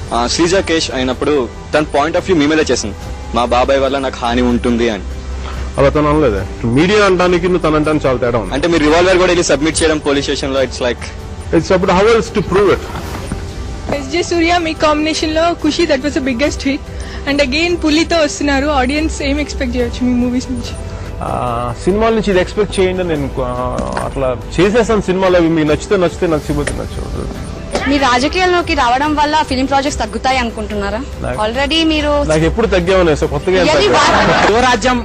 Sreeja cash అయినప్పుడు తన point of view మీ మీద చేసింది, మా బాబాయ్ వల్ల నాకు హాని ఉంటుంది అని. అలా తను అనలేదే. మీడియా అంటానికి నువ్వు తను అంటానికి చాలా తేడా ఉంది. అంటే మీరు రివాల్వర్ కూడా వెళ్ళి సబ్మిట్ చేయడం పోలీస్ స్టేషన్ లో, it's like it's about how else to prove it. SJ Surya మీ కాంబినేషన్ లో Kushi that was the biggest hit and again పులితో వస్తున్నారు. ఆడియన్స్ ఏం ఎక్స్పెక్ట్ చేయొచ్చు మీ మూవీస్ నుంచి? సినిమాల నుంచి ఇది ఎక్స్పెక్ట్ చేయండి. నేను అట్లా చేసేసాను సినిమాలు, అవి మీకు నచ్చితే నచ్చకపోతే నచ్చదు. మీ రాజకీయాల్లోకి రావడం వల్ల ఫిలిం ప్రాజెక్ట్స్ తగ్గుతాయి అనుకుంటున్నారా? ఆల్రెడీ మీరు నాకు ఎప్పుడు తగ్గామని కొత్తగా యువరాజ్యం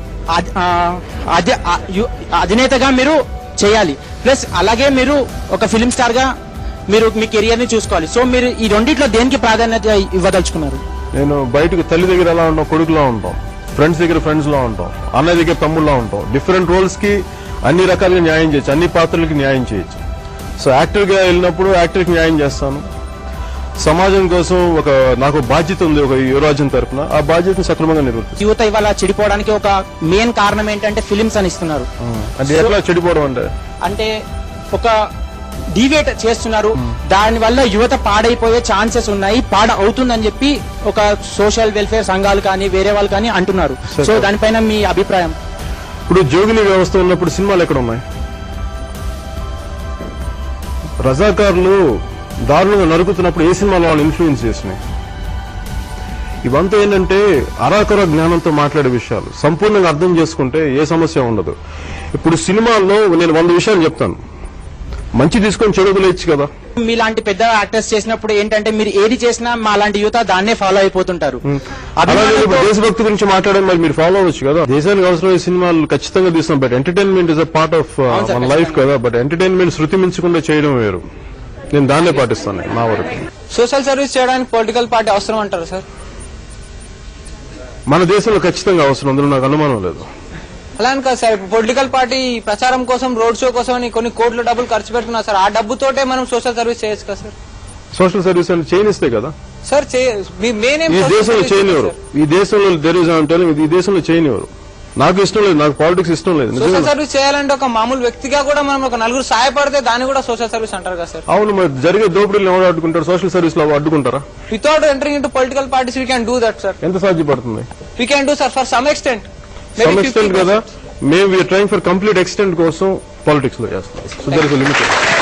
అధినేతగా మీరు చేయాలి, ప్లస్ అలాగే మీరు ఒక ఫిలిం స్టార్ గా మీరు మీ కెరియర్ ని చూసుకోవాలి. సో మీరు ఈ రెండిట్లో దేనికి ప్రాధాన్యత ఇవ్వదలుచుకున్నారు? నేను బయటకు తల్లి దగ్గర ఎలా ఉంటాం, కొడుకులా ఉంటాం, ఫ్రెండ్స్ దగ్గర ఫ్రెండ్స్ లా ఉంటాం, అన్నయ్య దగ్గర తమ్ముళ్ళలా ఉంటాం. డిఫరెంట్ రోల్స్ కి అన్ని రకాలుగా న్యాయం చేయొచ్చు, అన్ని పాత్రలకి న్యాయం చేయొచ్చు. సో యాక్టర్ గా వెళ్ళినప్పుడు యాక్టర్ కి న్యాయం చేస్తాను. సమాజం కోసం నాకు బాధ్యత ఉంది ఒక యువరాజ్యం తరఫున, ఆ బాధ్యతను సక్రమంగా నిర్వర్తిస్తాను. యువత ఇవాళ చెడిపోవడానికి ఒక మెయిన్ కారణం ఏంటంటే ఫిలిమ్స్ అని ఇస్తున్నారు. అంటే ఎట్లా చెడిపోవడం అంటే ఒక డివేట్ చేస్తున్నారు, దాని వల్ల యువత పాడైపోయే ఛాన్సెస్ ఉన్నాయి, అవుతుందని చెప్పి ఒక సోషల్ వెల్ఫేర్ సంఘాలు కానీ వేరే వాళ్ళు కానీ అంటున్నారు. సో దానిపైన మీ అభిప్రాయం? ఇప్పుడు జోగిని వ్యవస్థ ఉన్నప్పుడు సినిమాలు ఎక్కడ ఉన్నాయి? రజాకారులు దారుణంగా నరుకుతున్నప్పుడు ఏ సినిమాలో వాళ్ళు ఇన్ఫ్లుయెన్స్ చేసినాయి? ఇవంతా ఏంటంటే అరాకొర జ్ఞానంతో మాట్లాడే విషయాలు. సంపూర్ణంగా అర్థం చేసుకుంటే ఏ సమస్య ఉండదు. ఇప్పుడు సినిమాల్లో నేను 100 విషయాలు చెప్తాను, మంచి తీసుకొని చెడు వదిలేయచ్చు కదా. మీలాంటి పెద్ద యాక్టర్స్ చేసినప్పుడు ఏంటంటే మీరు ఏది చేసినా మా లాంటి యువత దాన్నే ఫాలో అయిపోతుంటారు. దేశభక్తి గురించి మాట్లాడే మరి మీరు ఫాలో అవ్వచ్చు కదా. దేశానికి అవసరమైన సినిమాలు ఖచ్చితంగా తీస్తున్నాం, but entertainment is a part of మన లైఫ్ కదా. బట్ ఎంటర్టైన్మెంట్ శృతి మించకుండా చేయడం వేరు. నేను దాన్నే పాటిస్తాను నా వరకు. సోషల్ సర్వీస్ చేయడానికి పొలిటికల్ పార్టీ అవసరం అంటారు సార్? మన దేశంలో ఖచ్చితంగా అవసరం, అందులో నాకు అనుమానం లేదు. అలా అని కాదు సార్, పొలిటికల్ పార్టీ ప్రచారం కోసం, రోడ్ షో కోసం అని కొన్ని కోట్ల డబ్బులు ఖర్చు పెడుతున్నారు సార్. ఆ డబ్బుతోటే మనం సోషల్ సర్వీస్ చేయొచ్చు కదా సార్? సోషల్ సర్వీస్ అంటే చేయనిస్తే కదా సార్. ఈ దేశంలో చేయనివ్వరు. ఈ దేశంలో ఈ దేశంలో చేయనివ్వరు. నాకు ఇష్టం లేదు, నాకు పాలిటిక్స్ ఇష్టం లేదు. సోషల్ సర్వీస్ చేయాలంటే ఒక మామూలు వ్యక్తిగా కూడా మనం ఒక నలుగురు సహాయపడితే దాన్ని కూడా సోషల్ సర్వీస్ అంటారు కదా సార్? అవును, మరి జరిగే దోపిడీలు ఎవరు అడ్డుకుంటారు? సోషల్ సర్వీస్ లో అడ్డుకుంటారా? Without entering into political parties we can do that sir. ఎంత సాధ్యపడుతుంది? We can do sir for some extent. కదా. మేము we're trying for complete extent కోసం పాలిటిక్స్ లో చేస్తాం. So there is limit.